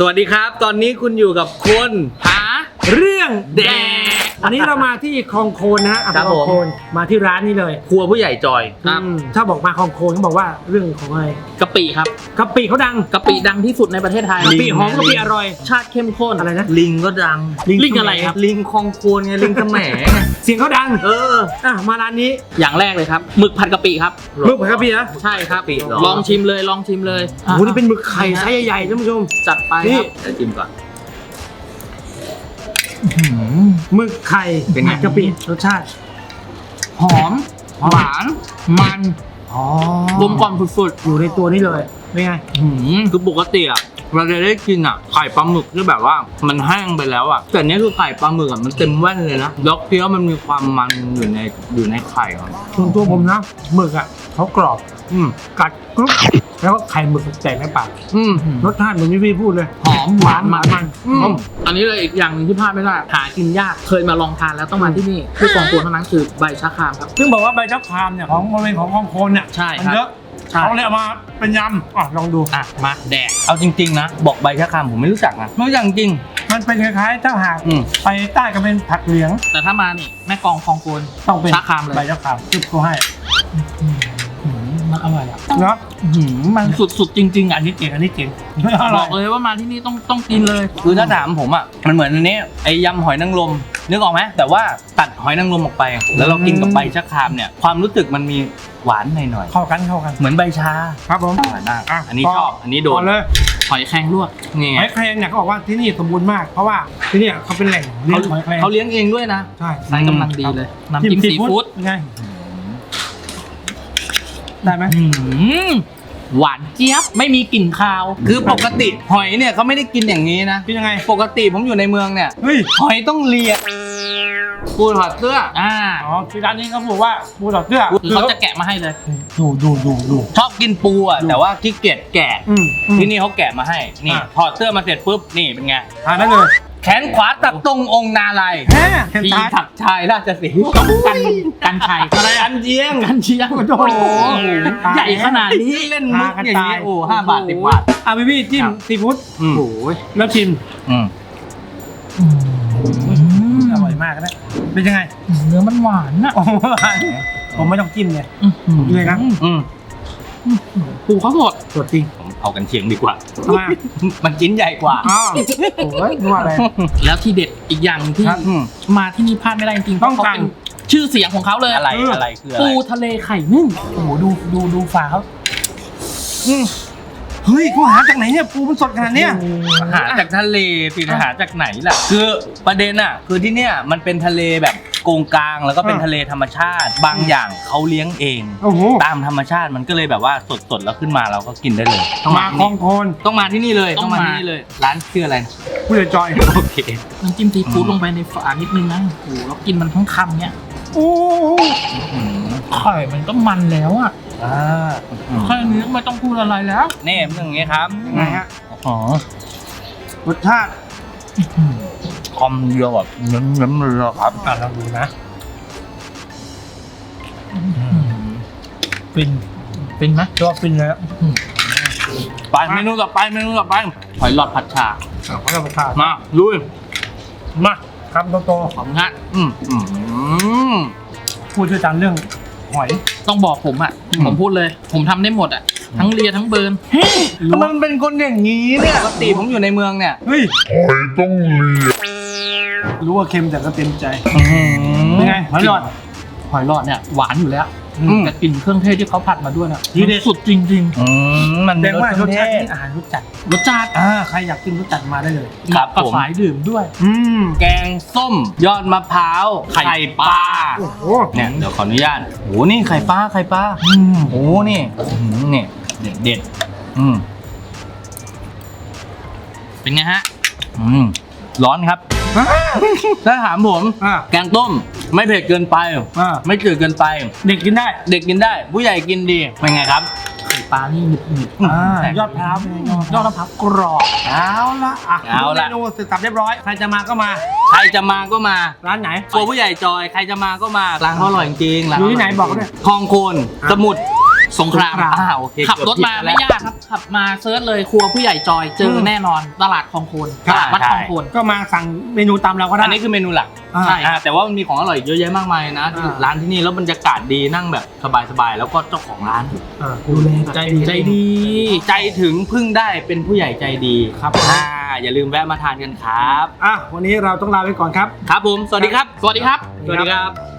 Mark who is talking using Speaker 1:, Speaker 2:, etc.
Speaker 1: วัสดีครับตอนนี้คุณอยู่กับคนหาเรื่องแดก
Speaker 2: อันนี้เรามาที่คลองโคนนะฮะ
Speaker 1: ครับ
Speaker 2: คลองโคนมาที่ร้านนี้เลย
Speaker 1: ครัวผู้ใหญ่จอย
Speaker 2: ถ้าบอกมาคลองโคนเขาบอกว่าเรื่องของอะไร
Speaker 3: กะปิครับ
Speaker 2: กะปิเขาดัง
Speaker 3: กะปิดังที่สุดในประเทศไทย
Speaker 2: กะปิหอมกะปิอร่อย
Speaker 3: ชาติเข้มข้น
Speaker 2: อะไรนะ
Speaker 1: ลิงก็ดัง
Speaker 3: ลิงอะไรครับ
Speaker 1: ลิงคลองโคนไงลิงแสมไง
Speaker 2: เสียงเขาดัง มาร้านนี้
Speaker 3: อย่างแรกเลยครับหมึกผัดกะปิครับ
Speaker 2: มึกผัดกะปินะ
Speaker 3: ใช่ครับ
Speaker 1: กะปิเหรอ
Speaker 3: ลองชิมเลยลองชิมเลย
Speaker 2: โอ้โหนี่เป็นหมึกไข่ไซส์ใหญ่ๆท่านผู้ชม
Speaker 3: จัดไป
Speaker 2: นี่
Speaker 3: ครับ
Speaker 1: เดี๋ยวจิ้มก่อน
Speaker 2: หมึกไข่
Speaker 1: เป็นไง
Speaker 2: ผัดกะปิรสชาติ
Speaker 3: หอมหวานมัน
Speaker 2: อ๋อก
Speaker 3: ลมกล่อมสุด
Speaker 2: อยู่ในตัวนี้เลยเป็นไง
Speaker 1: คือปกติอ่ะเราจะได้กินอ่ะไข่ปลาหมึกที่แบบว่ามันแห้งไปแล้วอ่ะแต่เนี้ยคือไข่ปลาหมึกอ่ะมันเต็มแว่นเลยนะแล้วเคี้ยวมันมีความมันอยู่ในไข่อ่ะ
Speaker 2: ส่วนตัวผมนะหมึกอ่ะเขากรอบ กัดกรุบแล้วก็ไข่หมึกแตกในปาก รสชาติเหมือนที่พี่พูดเลย
Speaker 3: ๆหอมหวานมัน
Speaker 2: อืม
Speaker 3: อันนี้เลยอีกอย่างหนึงที่พลาดไม่ได้หากินยากเคยมาลองทานแล้วต้องมาที่นี่ที่กองตัวเท่านั้นคือใบชะครามครับ
Speaker 2: ซึ่งบอกว่าใบชะครามเนี่ยของบริเวณของคลองโคนเนี่ย
Speaker 3: ใช่
Speaker 2: มัน
Speaker 3: ครับ
Speaker 2: เยอะ
Speaker 3: ใช่
Speaker 2: เขาเลยเอามาเป็นยำลองดู
Speaker 3: อ่ะมาแดก
Speaker 1: เอาจริงๆนะบอกใบชะครามผมไม่รู้จักนะไม่รู้จักจริง
Speaker 2: มันเป็นคล้ายๆถ้าหาก
Speaker 1: อืม
Speaker 2: ไปใต้ก็เป็นผักเหลียง
Speaker 3: แต่ถ้ามานี่แม่กองคลองโกน
Speaker 2: ต้องเป็น
Speaker 3: ชะครามเลย
Speaker 2: ใบชะครามจุบเขาให้
Speaker 3: มันอร่อยอ่ะ
Speaker 2: เนาะ
Speaker 3: มันสุดๆจริงๆอ่ะ
Speaker 2: อันนี้เจ๋งอันนี้เจ๋ง
Speaker 3: บอกเลยว่ามาที่นี่ต้องกินเลย
Speaker 1: คือถ้าถามผมอ่ะมันเหมือนอันนี้ไอ้ยำหอยนางรมนึกออกไหมแต่ว่าตัดหอยนางรมออกไป แล้วเรากินกับใบชะครามเนี่ยความรู้สึกมันมีหวานหน่อย
Speaker 2: เข้ากันเข้ากัน
Speaker 1: ๆเหมือนใบชา
Speaker 2: ครับผม
Speaker 1: หวานมาก
Speaker 2: อ่ะ
Speaker 1: อันนี้
Speaker 2: ต่อ
Speaker 1: ชอบอันนี้โด
Speaker 2: ก่
Speaker 1: น
Speaker 2: อนเลย
Speaker 3: หอยแครงลวก
Speaker 1: นี่ไง
Speaker 2: หอยแครงเนี่ยเขาบอกว่าที่นี่สมบูรณ์มากเพราะว่าที่เนี่ยเขาเป็นแหล่งเลี้ยงหอยแครง
Speaker 1: เขาเลี้ยงเองด้วยนะ
Speaker 2: ใช่
Speaker 3: ใส่กำลังดีเลย น้ำจิ้มซีฟู้ด
Speaker 2: เป็นไงได้ไหม
Speaker 3: หวานเจี๊ยบไม่มีกลิ่นคาว
Speaker 1: คือปกติหอยเนี่ยเขาไม่ได้กินอย่างนี้นะ
Speaker 2: เป็นยังไง
Speaker 1: ปกติผมอยู่ในเมืองเนี่ย
Speaker 2: เฮ้ย
Speaker 1: หอยต้องเลียปูถอดเสื้อ
Speaker 3: อ่า
Speaker 2: อ๋อที่ร้านนี้เขาบอกว่าปูถอดเสื้อ
Speaker 3: คือเขาจะแกะมาให้เลย
Speaker 2: ดู
Speaker 1: ชอบกินปูอ่ะแต่ว่าขี้เกียจแกะ
Speaker 2: ที่
Speaker 1: ที่นี่เขาแกะมาให้นี่
Speaker 2: อ่ะ
Speaker 1: ถอดเสื้อมาเสร็จปุ๊บนี่เป็นไง
Speaker 2: ทานได้เลย
Speaker 1: แขนขวาตัดตรงองค์นาลาย
Speaker 2: แฮ่เห็น
Speaker 1: ปี
Speaker 2: ทาน
Speaker 1: ถักชายราชสีห์
Speaker 3: ต้องกันชัย
Speaker 1: อะไรอันเจียง
Speaker 3: กันเชียง
Speaker 2: โอ้โห
Speaker 3: ใหญ่ขนาดนี้
Speaker 1: เล่นมุกอย่างนี้โอ้5 บาท10 บาท
Speaker 2: พี่จิ้มซีฟู้ด
Speaker 3: โอ้ย
Speaker 2: แล้วชิม
Speaker 1: อืม
Speaker 2: อร่อยมากนะเป็นยังไง
Speaker 3: เนื้อมันหวานอ่ะ
Speaker 2: โอ้โหผมไม่ต้องจิ้มเลยเลยนะ
Speaker 1: อืม
Speaker 3: ปูเขาสด
Speaker 2: สดจริง
Speaker 1: ผมเอากันเชียงดีกว่า
Speaker 2: ทำไม
Speaker 1: มันชิ้นใหญ่กว่า
Speaker 2: อ๋อโอ้ยนัวอะไร
Speaker 3: แล้วที่เด็ดอีกอย่างหนึ่งที่
Speaker 2: ครับ
Speaker 3: มาที่นี่พลาดไม่ได้จริงๆ
Speaker 2: ต้อง
Speaker 3: เพราะ
Speaker 2: สั่
Speaker 3: เขา
Speaker 2: ง
Speaker 3: เป็นชื่อเสียงของเขาเลย
Speaker 1: อะไรอะไรคืออะไร
Speaker 3: ปูทะเลไข่นึ่งโอ้โหดูฝาเขา
Speaker 2: เฮ้ยเขาหาจากไหนเนี่ยปูมันสดขนาดเนี้ย
Speaker 1: หาจากทะเลสิหาจากไหนล่ะคือประเด็นอ่ะคือที่เนี่ยมันเป็นทะเลแบบโกงกลางแล้วก็เป็นทะเลธรรมชาติ บางอย่างเขาเลี้ยงเอง
Speaker 2: โอ้โห
Speaker 1: ตามธรรมชาติมันก็เลยแบบว่าสดๆแล้วขึ้นมาเราก็กินได้เลยต้อง
Speaker 2: มา
Speaker 1: มา
Speaker 2: คลองโคน
Speaker 1: ต้องมาที่นี่เลยต้องมาที่นี่เลย ร้านชื่ออะไรนะ
Speaker 2: ผู้ใหญ่จอย
Speaker 1: โอเค
Speaker 3: น้ำจิ้มซีฟู้ดลงไปในฝานิดนึงนะโอ้โหแล้วกินมันทั้งคำเนี้ย
Speaker 2: โอ้
Speaker 3: ไข่มันก็มันแล้วอ่ะแค่นี้ไม่ต้องพูดอะไรแล้ว
Speaker 1: นี่มันอย่างงี้ครับ
Speaker 2: ยังไงฮะ
Speaker 1: อ๋อ
Speaker 2: รสชาติ
Speaker 1: คอมเดียวแบบเน้นๆเลยครับ
Speaker 2: ลองดูนะฟินไหมตัวฟินเลยอ่ะ
Speaker 1: ไปเมนูต่อไปหอยหลอดผัดชา
Speaker 2: เขาจะมาทาน
Speaker 1: มาลุย
Speaker 2: มาคำโต
Speaker 3: ขอบคุณฮะ
Speaker 2: ๆผู้เชี่ยวชาญเรื่องหอย
Speaker 3: ต้องบอกผมอ่ะผมพูดเลย ผมทำได้หมดอ่ะทั้งเลียทั้งเบิร์น
Speaker 1: มันเป็นคนอย่างนี้เนี่ยปกติผมอยู่ในเมืองเนี่ย
Speaker 2: เฮ้ยรู้ว่าเค็มแต่ก็เต็มใจเป็นไงหอยหลอด
Speaker 3: หอยหลอดเนี่ยหวานอยู่แล้ว
Speaker 1: อืม
Speaker 3: แต่กลิ่นเครื่องเทศที่เขาผัดมาด้วยเนี่ย
Speaker 2: ทีเด็ด
Speaker 3: สุดจริง
Speaker 1: มัน
Speaker 2: แสดงว่าร
Speaker 1: ส
Speaker 2: ส
Speaker 1: ชา
Speaker 2: ชา
Speaker 1: ติ
Speaker 2: ตินี่อาหารรสจัด
Speaker 3: ๆรสจัด
Speaker 2: ใครอยากกินรสจัดมาได้เลย
Speaker 1: ครับ
Speaker 3: กับ
Speaker 1: ผม
Speaker 3: สายดื่มด้วย
Speaker 1: แกงส้ม ยอดมะพร้าวไข่ปลา
Speaker 2: โอ้โห
Speaker 1: เนี่ยเดี๋ยวขออนุญาตโอ้นี่ไข่ปลาโอ้นี่นี่เด็ด
Speaker 3: เป็นไงฮะ
Speaker 1: ร้อนครับ ถ้าถามผม แกงต้มไม่เผ็ดเกินไป ไม่จืดเกินไป
Speaker 2: เด็กกินได้
Speaker 1: เด็กกินได้ ผู้ใหญ่กินดีเป็นไงครับ
Speaker 3: ไข่ปลานี่หนึบ
Speaker 2: ยอดพร้าวเป็นไง
Speaker 3: ๆยอดมะพร้าวกรอบ
Speaker 2: เอาละเมนูเสร็จสับเรียบร้อยใครจะมาก็มา
Speaker 1: ใครจะมาก็มา
Speaker 2: ร้านไหน
Speaker 1: ตัวผู้ใหญ่จอยใครจะมาก็มาร้านเขาอร่อยจริงๆร้าน
Speaker 2: อยู่ที่ไหนบอกเขาด้วย
Speaker 1: คลองโคนสมุทรสงครามโอเค
Speaker 3: ขับรถมาไม่ยากครับขับมาเซิร์ชเลยครัวผู้ใหญ่จอยเจอแน่นอนตลาดคลองโคนตลาดวัดคลองโคน
Speaker 2: ก็มาสั่งเมนูตามเราก็ได้
Speaker 1: อันนี้คือเมนูหลัก
Speaker 2: ใช่
Speaker 1: แต่ว่ามันมีของอร่อยเยอะแยะมากมายนะ ร้านที่นี่แล้วบรรยากาศดีนั่งแบบสบายๆแล้วก็เจ้าของร้าน
Speaker 2: ดูแล
Speaker 1: ใจดีใจถึงพึ่งได้เป็นผู้ใหญ่ใจดีครับอย่าลืมแวะมาทานกันครับ
Speaker 2: วันนี้เราต้องลาไปก่อนครับ
Speaker 1: ครับผมสวัสดีครับ
Speaker 3: สวัสดีครับ
Speaker 1: สวัสดีครับ